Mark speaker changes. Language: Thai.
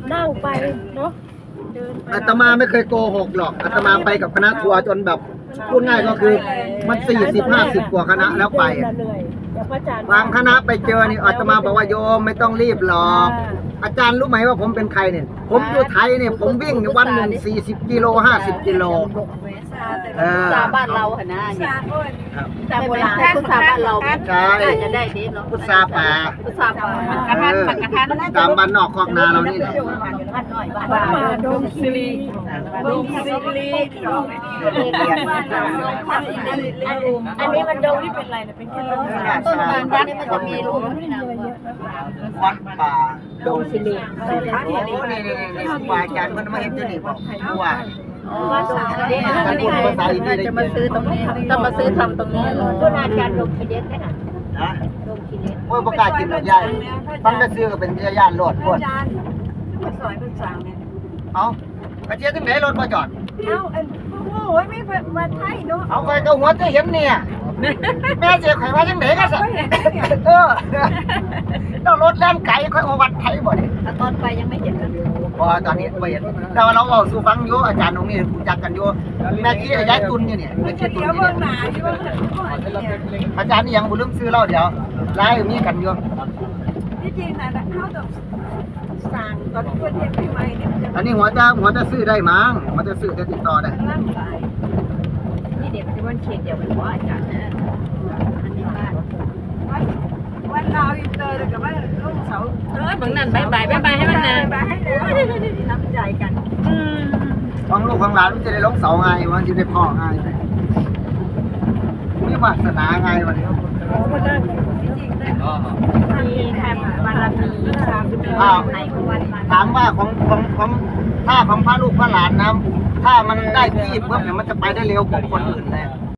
Speaker 1: นั่งไปเนาะเดินไป
Speaker 2: อาตมาไม่เคยโกหกหรอกอาตมาไปกับคณะทัวร์จนแบบพูดง่ายก็คือมัน40-50กว่าคณะแล้วไป
Speaker 1: เหนื่อยเดี๋ยวพระอาจารย์
Speaker 2: บางคณะไปเจอนี่อาตมาบอกว่าโยมไม่ต้องรีบหรอกอาจารย์รู้ไหมว่าผมเป็นใครเนี่ยผมอยู่ไทยเนี่ยผมวิ่งวันหนึ่ง40 กิโล50 กิโล
Speaker 3: ซาบ้านเราหนะเนี่ยแต่โบราณพุทธาบ้านเรา
Speaker 2: ใช่
Speaker 3: น่าจะได้ดีเนาะ
Speaker 2: พุทธาป่า
Speaker 3: พุทธาป่าปักกระทัน
Speaker 2: ตามบ้านนอกคอกนาเรานี่แหละ
Speaker 3: บ้านหน่อยบ้าน
Speaker 1: ป่าดงคีรี
Speaker 3: ดงคีรีอันนี้มันดงที่เป็นอะไรนะเป็นแค่ลมต้นบานนี้มันจะมีรูป
Speaker 2: วัดป่าดงสิริโอ้นี่ครูบาอาจารย์มันมาเห็นที่นี่บอกว่า
Speaker 3: จะมาซื้อตรงนี้จะมาซื้อทำตรงนี้ก็น่าจะลงไปเย็ดได้น่ะ
Speaker 2: นะ
Speaker 3: ลงคีรี
Speaker 2: โอ้ยประกาศกินหมดใหญ่ฟังจะซื้อก็เป็นญาติโลดพวด
Speaker 3: ซอยเป็นสางเนี่ย
Speaker 2: เอากระเจี๊ยบที่ไหนรถมาจอด
Speaker 1: เอาโอ้ยไม่มาไทยเนาะ
Speaker 2: เอาไปก็หัวจะเห็นเนี่ยแม่เจ๊ไข่ว่าจังไหนกันสิต้องรถแล่นไก่ค่อยเอาวัดไทยบ่เนี่ย
Speaker 3: ตอนไปยังไม่เห็นกัน
Speaker 2: พอตอนนี้ไม่เห็นแต่ว่าเราเอาสู่ฟังอยู่อาจารย์ตรงนี้รู้จักกันอยู่แม่กี้ย้ายตุนเนี่ยแม่กี้ตุนเนี่ยอาจารย์นี่ยังบุลืมซื้อเราเดี๋ยวไล่มีกันอยู่
Speaker 1: ที่จริงนะเขาต้องสั่งตอนเพื่อนเห็นใหม่ๆเนี่ยมันจะ
Speaker 2: อันนี้หัวจะซื้อได้มั้งหัวจะซื้อจะติดต่อได้
Speaker 1: ร่างกาย
Speaker 3: นี่เด็กที่วันเขตเดียวกันว่าอาจารย์นะอันนี้บ้าน
Speaker 1: วันเราอินเตอร์เลยกับว่าลูกเสา
Speaker 3: บางนั่นบายให้มันนะ
Speaker 1: บายให้เลยน้ำใจกัน
Speaker 2: ของลูกของหลานมันจะได้ลงเสาไงมันจะได้พ่อไงมีวาสนาไงวันนี้
Speaker 3: มีแค่บารมีไหนก็วันมา
Speaker 2: ถามว่าของถ้าของพระลูกพระหลานนะถ้ามันได้ที่เพิ่มเนี่ยมันจะไปได้เร็วกว่าคนอื่นเลย